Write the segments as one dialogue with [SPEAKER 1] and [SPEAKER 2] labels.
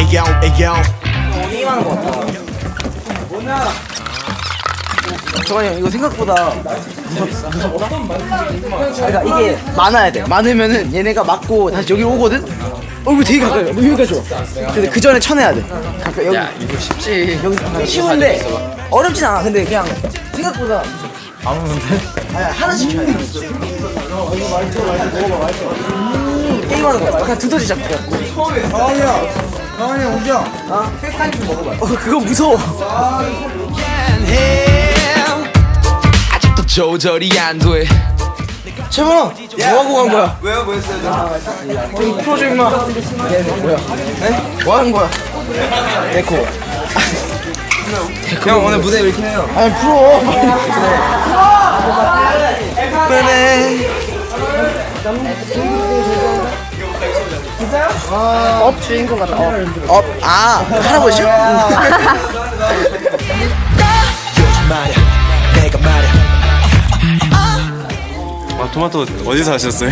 [SPEAKER 1] 게임하는 거 같다. 저거 이거 생각보다 무섭다? 그러니까 이게 많아야 돼. 많으면은 얘네가 맞고 다시 여기로 오거든? 이거 되게 가까이 여기까지 와. 근데 그 전에 쳐내야 돼. 가까이 여기.
[SPEAKER 2] 야 이거 쉽지.
[SPEAKER 1] 여기 쉬운데 어렵진 않아. 근데 그냥 생각보다 안 오는데? 아니 하나씩 쳐야 돼. 이거 말투 먹어봐 말투. 게임하는 거야. 그냥 두더지 잡고.
[SPEAKER 3] 강원이 형 우정.
[SPEAKER 1] 팩타임 좀 먹어봐. 그거 무서워.
[SPEAKER 2] 아직도 조절이 안 돼.
[SPEAKER 1] 채범아, 뭐하고 간 거야?
[SPEAKER 3] 왜요? 뭐 했어요?
[SPEAKER 1] 좀 풀어줘 임마. 뭐야? 네? 뭐하는 거야? 데코.
[SPEAKER 3] 형 오늘 무대 왜 이렇게 해요?
[SPEAKER 1] 아니 풀어. 그래. 업 주인공 같다. 업. 아 할아버지?
[SPEAKER 4] 아 토마토 어디서 하셨어요?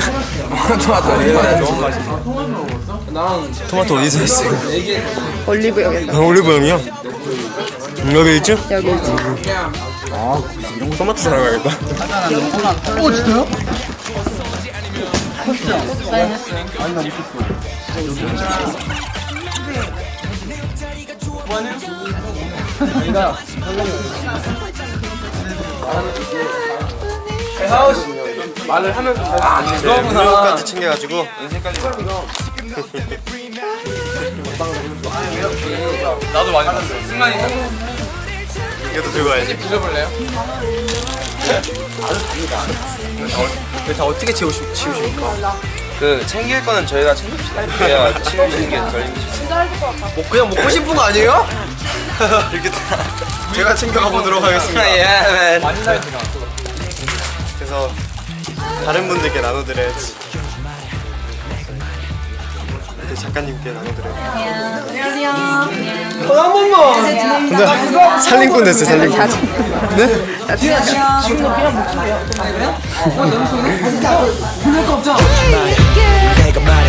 [SPEAKER 4] 토마토 어디서 했어요?
[SPEAKER 5] 올리브영에서
[SPEAKER 4] 올리브영이요? 여기 있죠?
[SPEAKER 5] 여기 있지.
[SPEAKER 4] 토마토 사러 가야겠다.
[SPEAKER 3] 그거까지 챙겨가지고
[SPEAKER 2] 나도 많이 봤어. 승관이
[SPEAKER 3] 이것도 들고 가야지.
[SPEAKER 2] 드셔볼래요?
[SPEAKER 3] 다 어떻게 치우십니까? 그 챙길 거는 저희가 챙깁시다. 그래야 치우시는 게 덜 힘드시죠. 뭐 그냥 먹고 싶은 거 아니에요? 이렇게 다 제가 챙겨가 보도록 하겠습니다. 예. 그래서 다른 분들께 나눠드려야지. 그 작가님께 나눠드려야지. 살림꾼 됐어요, 살림꾼.
[SPEAKER 1] 지금도 그냥 목소리야.
[SPEAKER 6] 내가 말해